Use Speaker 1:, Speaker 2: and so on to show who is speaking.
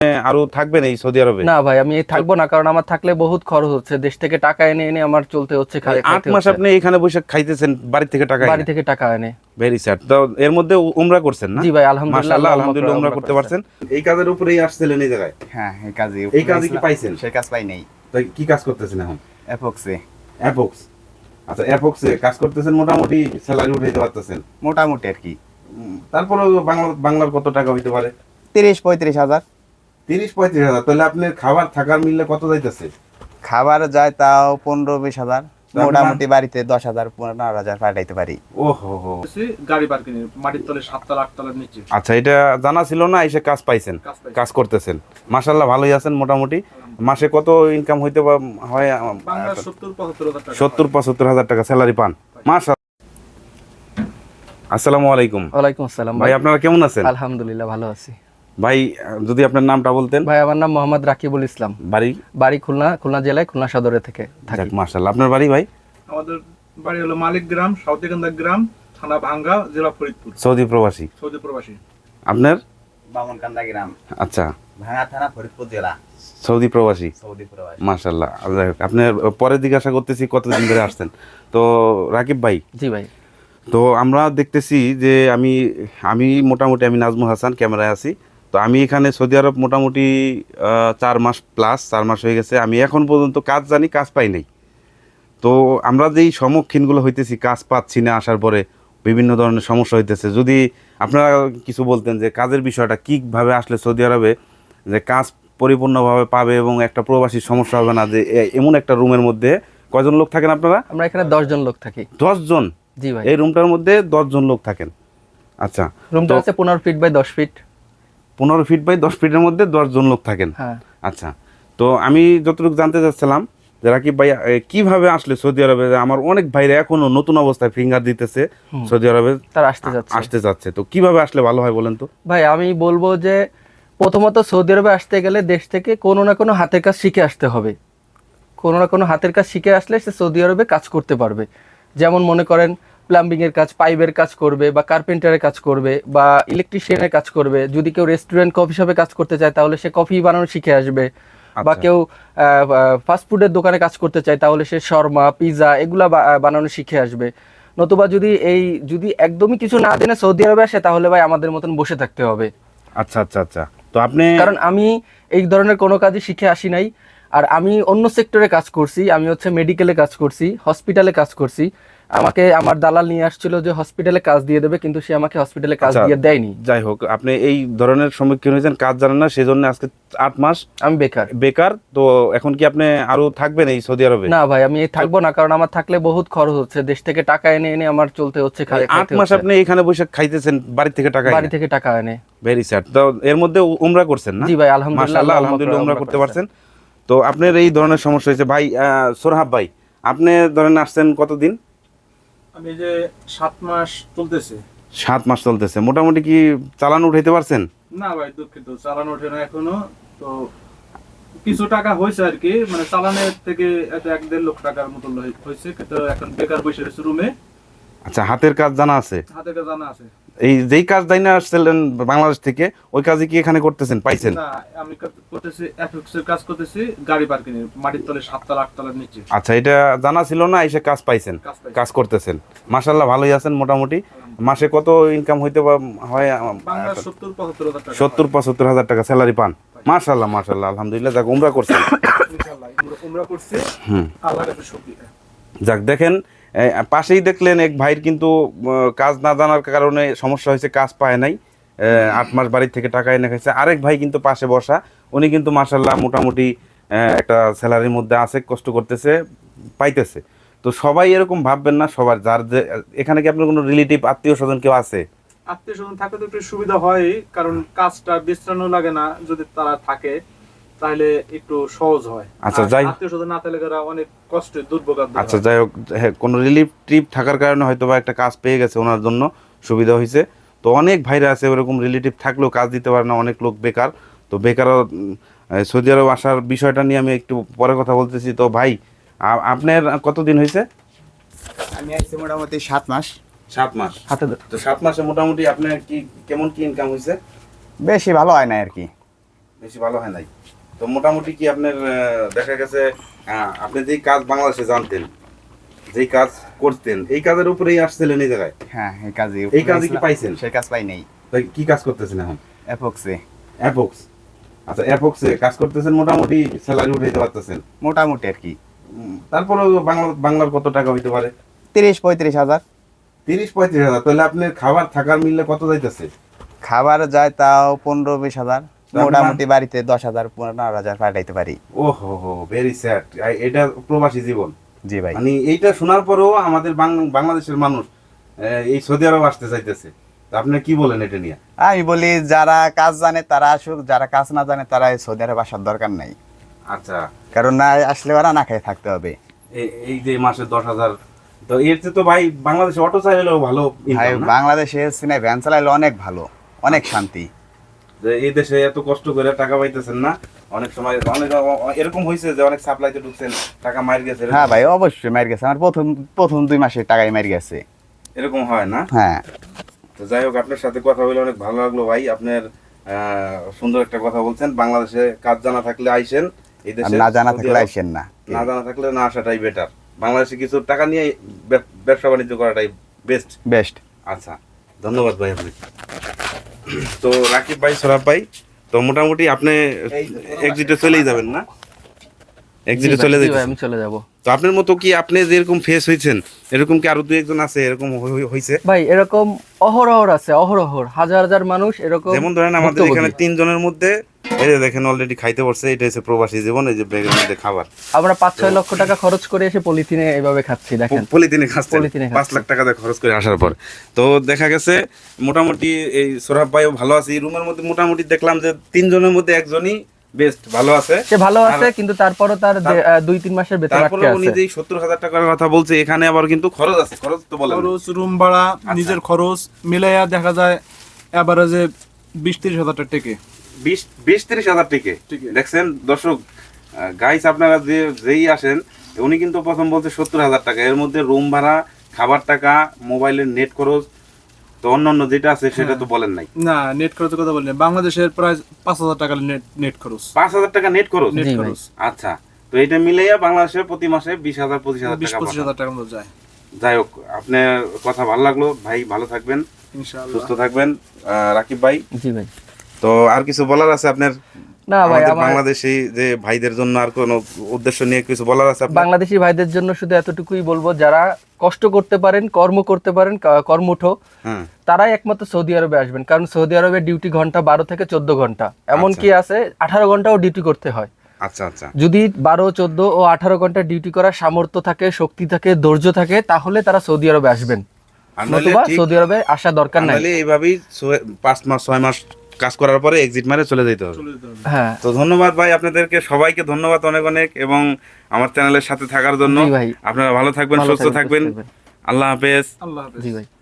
Speaker 1: আরো থাকবেন এই সৌদি আরবে?
Speaker 2: না ভাই, আমি থাকবো না, কারণ আমার থাকলে বহুত খরচ হচ্ছে, দেশ থেকে টাকা এনে এনে আমার চলতে হচ্ছে,
Speaker 1: 8 মাস আপনি এখানে বসে খাইতেছেন বাড়ি থেকে টাকা
Speaker 2: বাড়ি থেকে টাকা এনে।
Speaker 1: Very sad. তো এর মধ্যে উমরা করছেন না?
Speaker 2: জি ভাই, আলহামদুলিল্লাহ,
Speaker 1: মাশাআল্লাহ, আলহামদুলিল্লাহ উমরা করতে পারছেন। এই কাজের উপরেই আসছিলেন এই জায়গায়?
Speaker 3: হ্যাঁ,
Speaker 1: এই কাজে কি পাইছেন?
Speaker 3: সেই কাজ পাই নাই।
Speaker 1: তো কি কাজ করতেছেন এখন?
Speaker 3: অ্যাপক্সে।
Speaker 1: অ্যাপক্স। আচ্ছা, অ্যাপক্সে কাজ করতেছেন, মোটামুটি স্যালারি উঠাইতে পারতেছেন?
Speaker 3: মোটামুটি আর কি।
Speaker 1: তারপরে বাংলার কত টাকা হইতে পারে?
Speaker 3: 30-35 হাজার।
Speaker 1: 30-35 হাজার। তাহলে আপনার খাবার থাকার মিললে কত যাইতেছে?
Speaker 3: খাবার যায় তাও 15-20 হাজার।
Speaker 1: আপনার-
Speaker 3: মোটামুটি বাড়িতে 10,000 15,000 পাঠাইতে পারি।
Speaker 1: ওহো হো।
Speaker 4: গাড়ি পার্কিং মাটির তলে 7 তলা 8 তলার নিচে।
Speaker 1: আচ্ছা, এটা জানা ছিল না, এসে কাজ পাইছেন, কাজ করতেছেন। মাশাআল্লাহ, ভালোই আছেন মোটামুটি। মাসে কত ইনকাম হইতে হয়?
Speaker 4: বাংলা 70-75 হাজার টাকা।
Speaker 1: 70-75 হাজার টাকা স্যালারি পান? মাশাআল্লাহ। আসসালামু আলাইকুম।
Speaker 2: ওয়ালাইকুম আসসালাম
Speaker 1: ভাই, আপনারা কেমন আছেন?
Speaker 2: আলহামদুলিল্লাহ ভালো আছি
Speaker 1: ভাই, যদি আপনার নামটা বলতেন।
Speaker 2: ভাই। আমার নাম মোহাম্মদ রাকিবুল ইসলাম, বাড়ি খুলনা জেলায় খুলনা সদরে থেকে থাকি।
Speaker 1: মাশাআল্লাহ। আপনার বাড়ি ভাই?
Speaker 4: আমাদের বাড়ি হলো মালিক গ্রাম, সাউথিকান্দা গ্রাম, থানা ভাঙ্গা, জেলা ফরিদপুর,
Speaker 1: সৌদি প্রবাসী।
Speaker 4: সৌদি প্রবাসী।
Speaker 1: আপনার?
Speaker 3: বামনকান্দা গ্রাম,
Speaker 1: আচ্ছা,
Speaker 3: ভাঙা থানা, ফরিদপুর জেলা,
Speaker 1: সৌদি প্রবাসী।
Speaker 3: সৌদি প্রবাসী।
Speaker 1: মাশাআল্লাহ। আপনার পরে জিজ্ঞাসা করতেছি কতদিন ধরে আসছেন। তো রাকিব ভাই,
Speaker 2: জি ভাই।
Speaker 1: তো আমরা দেখতেছি যে আমি মোটামুটি আমি নাজমুল হাসান, ক্যামেরায় আছি। তো আমি এখানে সৌদি আরব মোটামুটি 4 মাস প্লাস 4 মাস হয়ে গেছে। আমি এখন পর্যন্ত কাজ জানি, কাজ পাই নাই। তো আমরা যেই সম্মুখীনগুলো হইতেছি, কাজ পাচ্ছি না, আসার পরে বিভিন্ন ধরনের সমস্যা হইতেছে। যদি আপনারা কিছু বলতেন যে কাজের বিষয়টা কীভাবে আসলে সৌদি আরবে যে কাজ পরিপূর্ণভাবে পাবে এবং একটা প্রবাসীর সমস্যা হবে না, যে এমন একটা রুমের মধ্যে কয়জন লোক থাকেন আপনারা?
Speaker 2: আমরা এখানে 10 জন লোক থাকি।
Speaker 1: 10 জন?
Speaker 2: জি ভাই।
Speaker 1: এই রুমটার মধ্যে 10 জন লোক থাকেন? আচ্ছা,
Speaker 2: রুমটা আছে 15 feet by 10 feet.
Speaker 1: 15 feet by 10 ফিটের মধ্যে 10 জন লোক থাকেন?
Speaker 2: হ্যাঁ।
Speaker 1: আচ্ছা, তো আমি যতটুকু জানতে চাচ্ছিলাম যে রাকিব ভাই কিভাবে আসলে সৌদি আরবে? আমার অনেক ভাইরা এখনো নতুন অবস্থায় ফিঙ্গার দিতেছে সৌদি আরবে,
Speaker 2: তার আসতে
Speaker 1: যাচ্ছে। তো কিভাবে আসলে ভালো হয় বলেন তো?
Speaker 2: ভাই, আমি বলবো যে প্রথমত সৌদি আরবে আসতে গেলে দেশ থেকে কোনো না কোনো হাতের কাজ শিখে আসতে হবে। কোনো না কোনো হাতের কাজ শিখে আসলে সে সৌদি আরবে কাজ করতে পারবে। যেমন মনে করেন প্লাম্বিংয়ের কাজ, পাইপের কাজ করবে, বা কার্পেন্টারের কাজ করবে, বা ইলেকট্রিশিয়ানের কাজ করবে। যদি কেউ রেস্টুরেন্ট, কফি শপে কাজ করতে চায় তাহলে সে কফি বানানো শিখে আসবে। বা কেউ ফাস্টফুডের দোকানে কাজ করতে চায় তাহলে সে শর্মা, পিৎজা এগুলা বানানো শিখে আসবে। নতুবা যদি একদমই কিছু না জেনে সৌদি আরবে আসে তাহলে ভাই আমাদের মতন বসে থাকতে হবে।
Speaker 1: আচ্ছা আচ্ছা আচ্ছা। তো আপনি,
Speaker 2: কারণ আমি এই ধরনের কোনো কাজই শিখে আসি নাই। আর আমি অন্য সেক্টরে কাজ করছি, আমি হচ্ছে মেডিকেলে কাজ করছি, হসপিটালে কাজ করছি। আমাকে আমার দালাল নিয়ে আসছিল যে হসপিটালে কাজ দিয়ে দেবে, কিন্তু সে আমাকে হসপিটালে কাজ দিয়ে দেয়নি।
Speaker 1: যাই হোক, আপনি এই ধরনের সম্মুখীন হয়েছেন, কাজ জানেন না, সেজন্য আজকে 8 মাস
Speaker 2: আমি বেকার।
Speaker 1: তো এখন কি আপনি আরো থাকবেন এই সৌদি আরবে?
Speaker 2: না ভাই, আমি থাকবো না, কারণ আমার থাকলে বহুত খরচ হচ্ছে, দেশ থেকে টাকা এনে এনে আমার চলতে হচ্ছে।
Speaker 1: 8 মাস আপনি এখানে বসে খাইতেছেন বাড়ি থেকে টাকা
Speaker 2: এনে।
Speaker 1: Very sad. তো এর মধ্যে উমরা করছেন না?
Speaker 2: জি ভাই, আলহামদুলিল্লাহ,
Speaker 1: আলহামদুলিল্লাহ উমরা করতে পারছেন। তো আপনার এই ধরনের সমস্যা হয়েছে ভাই। সোরহাব ভাই, আপনি ধরেন আসছেন কতদিন?
Speaker 4: আমি যে 7 মাস চলতেছে।
Speaker 1: 7 মাস চলতেছে। মোটামুটি কি চালান উঠাইতে পারছেন?
Speaker 4: না ভাই, দুঃখিত, চালান ওঠে না এখনো। তো কিছু টাকা হয়েছে আর কি, মানে চালানের থেকে 1-1.5 লক্ষ টাকার মতো হয়েছে। কিন্তু এখন বেকার বসে রয়েছে রুমে।
Speaker 1: আচ্ছা, হাতের কাজ জানা আছে?
Speaker 4: হাতে কাজ জানা আছে।
Speaker 1: এই যেই কাজ দাই না আসছিলেন বাংলাদেশ থেকে, ওই কাজই কি এখানে করতেছেন, পাইছেন?
Speaker 4: না, আমি করতেছি এফএক্সের কাজ করতেছি, গাড়ি পার্কিং মাটির তলে 7 তলা 8 তলার নিচে।
Speaker 1: আচ্ছা, এটা জানা ছিল না, এসে কাজ পাইছেন, কাজ করতেছেন। মাশাআল্লাহ, ভালোই আছেন মোটামুটি। মাসে কত ইনকাম হইতে হয়?
Speaker 4: বাংলা 70-75 হাজার টাকা।
Speaker 1: 70-75 হাজার টাকা স্যালারি পান? মাশাআল্লাহ মাশাআল্লাহ, আলহামদুলিল্লাহ। যাক, উমরা করছেন?
Speaker 4: ইনশাআল্লাহ উমরা করছি। আল্লাহর কাছে শুকরিয়া।
Speaker 1: যাক, দেখেন পাশেই দেখলেন এক ভাইয়ের কিন্তু কাজ না জানার কারণে সমস্যা হয়েছে, কাজ পায় নাই। 8 মাস বাড়ির থেকে টাকা এনে খাইছে। আরেক ভাই কিন্তু পাশে বসা, উনি কিন্তু মাশাআল্লাহ মোটামুটি একটা স্যালারির মধ্যে আছে, কষ্ট করতেছে, পাইতেছে। তো সবাই এরকম ভাববেন না। সবার যার যে এখানে কি আপনার কোনো রিলেটিভ, আত্মীয় স্বজন কেউ আছে?
Speaker 4: আত্মীয় স্বজন থাকলে তো একটু সুবিধা হয়, কারণ কাজটা বিশ্রামও লাগে না। যদি তারা থাকে তাহলে একটু সহজ হয়।
Speaker 1: আচ্ছা, যাই
Speaker 4: আত্মীয় স্বজন না থাকলে তারা অনেক কষ্টে দুর্ভোগ।
Speaker 1: আচ্ছা, যাই হোক, হ্যাঁ, কোনো রিলিফ ট্রিপ থাকার কারণে হয়তো বা একটা কাজ পেয়ে গেছে, ওনার জন্য সুবিধা হয়েছে। তো অনেক ভাইরা আছে ওরকম রিলেটিভ থাকলেও কাজ দিতে পারে না, অনেক লোক বেকার। তো বেকারও সৌদি আরব আসার বিষয়টা নিয়ে আমি একটু পরে কথা বলতেছি। তো ভাই, আপনার কতদিন হয়েছে?
Speaker 3: আমি আসছি মোটামুটি 7 মাস।
Speaker 1: 7 মাস।
Speaker 2: হাতে
Speaker 1: তো 7 মাসে মোটামুটি আপনার কি কেমন কি ইনকাম হয়েছে?
Speaker 3: বেশি ভালো হয় না আর কি।
Speaker 1: বেশি ভালো হয় নাই। তো মোটামুটি কি আপনার দেখা গেছে আপনি যেই কাজ বাংলাদেশে জানতেন, যেই কাজ করতেন, এই কাজের উপরেই আসছিলেন এই জায়গায়?
Speaker 3: হ্যাঁ
Speaker 1: এই কাজে কি পাইছেন?
Speaker 3: সেই কাজ পাই নাই।
Speaker 1: তাই কি কাজ করতেছেন এখন?
Speaker 3: অ্যাপক্সে
Speaker 1: অ্যাপক্স। আচ্ছা, অ্যাপক্সে কাজ করতেছেন, মোটামুটি স্যালারি উঠাইতে পারতেছেন?
Speaker 3: মোটামুটি আর কি
Speaker 1: তারপরে বাংলার কত টাকা হইতে পারে?
Speaker 3: 30-35 হাজার।
Speaker 1: 30-35 হাজার। তাহলে আপনার খাবার থাকার মিললে কত যাইতেছে?
Speaker 3: খাবার যায় তাও 15-20 হাজার।
Speaker 1: তার
Speaker 3: মোটামুটি বাড়িতে 10,000-15,000 পাঠাইতে পারি।
Speaker 1: ও হো, ভেরি স্যাড। এটা প্রবাসী জীবন।
Speaker 3: জি ভাই।
Speaker 1: মানে এইটা শোনার পরেও আমাদের বাংলাদেশের মানুষ এই সৌদি আরব আসতে চাইতেছে। তা আপনি কি বলেন এটা নিয়ে?
Speaker 3: আমি বলি যারা কাজ জানে তারা আসুক, যারা কাজ না জানে তারা এই সৌদি আরব আসার দরকার নাই।
Speaker 1: আচ্ছা,
Speaker 3: কারণ না আসলে ওরা না খেয়ে থাকতে হবে।
Speaker 1: এই যে মাসে 10,000, তো এর চেয়ে তো ভাই বাংলাদেশে অটো চাইলেও ভালো
Speaker 3: ভাই
Speaker 1: ইনকাম না?
Speaker 3: বাংলাদেশে সিনে ভ্যান চালাইলে অনেক ভালো, অনেক শান্তি।
Speaker 1: যে এই দেশে এত কষ্ট করে টাকা পাইতেছেন না, অনেক সময় অনেক এরকম হয়েছে যে অনেক সাপ্লাইতে ঢুকছেন, টাকা মার গেছে,
Speaker 3: হ্যাঁ ভাই অবশ্যই মার গেছে। আমার প্রথম 2 মাসের টাকাই মার গেছে।
Speaker 1: এরকম হয় না?
Speaker 3: হ্যাঁ।
Speaker 1: তো যাই হোক, আপনার সাথে কথা বলে অনেক ভালো লাগলো ভাই। আপনার সুন্দর একটা কথা বলছেন, বাংলাদেশে কাজ জানা থাকলে আইসেন, এই
Speaker 3: আর
Speaker 1: দেশে
Speaker 3: না জানা
Speaker 1: সৌদি
Speaker 3: থাকলে
Speaker 1: আরব
Speaker 3: আইসেন না।
Speaker 1: না জানা থাকলে না আসাটাই বেটার। বাংলাদেশে কিছু টাকা নিয়ে ব্যবসা বাণিজ্য করাটাই বেস্ট।
Speaker 3: বেস্ট।
Speaker 1: আচ্ছা, ধন্যবাদ ভাই আপনি। তো রাকিব ভাই, সোরাব ভাই, তো মোটামুটি আপনি এক্সিটে চলেই যাবেন না? এক্সিটে চলে
Speaker 2: জি ভাই,
Speaker 1: যাবেন?
Speaker 2: আমি চলে যাব।
Speaker 1: তো আপনার মতো কি আপনি যেরকম ফেস হয়েছেন এরকম কি আরো 2-1 জন আছে এরকম হয়েছে?
Speaker 2: ভাই এরকম অহরহ আছে, অহরহ হাজার হাজার মানুষ এরকম।
Speaker 1: যেমন ধরেন আমাদের
Speaker 2: ভুক্তভোগী।
Speaker 1: এখানে 3 জনের মধ্যে এই যে দেখেন অলরেডি খাইতে পড়ছে, এটা হচ্ছে প্রবাসী জীবন। এই যে ব্যাগের মধ্যে খাবার,
Speaker 2: আমরা 5-6 লক্ষ টাকা খরচ করে এসে পলিথিনে এভাবে খাচ্ছি, দেখেন।
Speaker 1: পলিথিনে খাচ্ছেন,
Speaker 2: পলিথিনে
Speaker 1: 5 লাখ টাকা দিয়ে খরচ করে আসার পর। তো দেখা গেছে মোটামুটি এই সোরাব ভাইও ভালো আছে। এই রুমের মধ্যে মোটামুটি দেখলাম যে 3 জনের মধ্যে একজনই বেস্ট ভালো আছে।
Speaker 2: সে ভালো আছে, কিন্তু তারপরও তার 2-3 মাসের বেতন
Speaker 1: তারপরে
Speaker 2: আটকে
Speaker 1: উনি
Speaker 2: আছে।
Speaker 1: যে 70,000 টাকার কথা বলছে, এখানে আবার কিন্তু খরচ আছে। খরচ তো বলেন।
Speaker 4: খরচ, রুম ভাড়া, নিজের খরচ মিলাইয়া দেখা যায় এভারেজে 20-30 হাজার টাকা টেকে।
Speaker 1: 20-30 হাজার টিকে।
Speaker 4: টিকে।
Speaker 1: দেখছেন দর্শক, গাইস আপনারা যেই আসেন, উনি কিন্তু প্রথম বলছে 70,000 টাকা, এর মধ্যে রুম ভাড়া, খাবার টাকা, মোবাইলের নেট খরচ, তো অন্যান্য যেটা আছে সেটা তো বলেন নাই।
Speaker 4: না, নেট খরচের কথা বলিনি। বাংলাদেশের প্রায় 5,000 টাকা নেট খরচ।
Speaker 1: 5,000 টাকা নেট খরচ।
Speaker 4: নেট
Speaker 2: জি ভাই।
Speaker 4: খরচ
Speaker 1: আচ্ছা, তো এটা মিলাইয়া বাংলাদেশে প্রতি মাসে 20,000-25,000 টাকা
Speaker 4: 20-25
Speaker 1: পাঠান।
Speaker 4: হাজার টাকার মতো যায়
Speaker 1: যাই হোক, আপনার কথা ভালো লাগলো ভাই, ভালো থাকবেন,
Speaker 4: ইনশাআল্লাহ।
Speaker 1: সুস্থ থাকবেন। রাকিব ভাই,
Speaker 2: জি ভাই।
Speaker 1: তো আর কিছু বলার আছে আপনার?
Speaker 2: না ভাই,
Speaker 1: আমাদের
Speaker 2: আমার
Speaker 1: বাংলাদেশি যে ভাইদের জন্য আর কোনো উদ্দেশ্য নিয়ে কিছু বলার আছে আপনার?
Speaker 2: বাংলাদেশি ভাইদের জন্য শুধু এতটুকুই বলবো, যারা কষ্ট করতে পারেন, কর্ম করতে পারেন, কর্মঠ,
Speaker 1: হ্যাঁ,
Speaker 2: তারাই একমাত্র সৌদি আরবে আসবেন। কারণ সৌদি আরবে ডিউটি ঘন্টা 12 থেকে 14 ঘন্টা, এমনকি আছে 18 ঘন্টাও ডিউটি করতে হয়।
Speaker 1: আচ্ছা আচ্ছা।
Speaker 2: যদি 12, 14 ও 18 ঘন্টা ডিউটি করার সামর্থ্য থাকে, শক্তি থাকে, ধৈর্য থাকে, তাহলে তারা সৌদি আরবে আসবেন।
Speaker 1: আর নইলে
Speaker 2: নতুবা
Speaker 1: ঠিক-
Speaker 2: সৌদি আরবে আসা দরকার নাই।
Speaker 1: নাহলে এইভাবেই 5 মাস 6 মাস কাজ করার পরে এক্সিট মারে চলে যেতে হবে।
Speaker 4: চলে যেতে হবে।
Speaker 2: হ্যাঁ,
Speaker 1: তো ধন্যবাদ ভাই, আপনাদেরকে সবাইকে ধন্যবাদ অনেক অনেক, এবং আমার চ্যানেলের সাথে থাকার জন্য।
Speaker 2: জি ভাই।
Speaker 1: আপনারা ভালো থাকবেন,
Speaker 2: ভালো
Speaker 1: সুস্থ থাকবেন।
Speaker 2: থাকবেন।
Speaker 1: আল্লাহ হাফেজ।
Speaker 4: আল্লাহ হাফেজ।
Speaker 2: জি ভাই।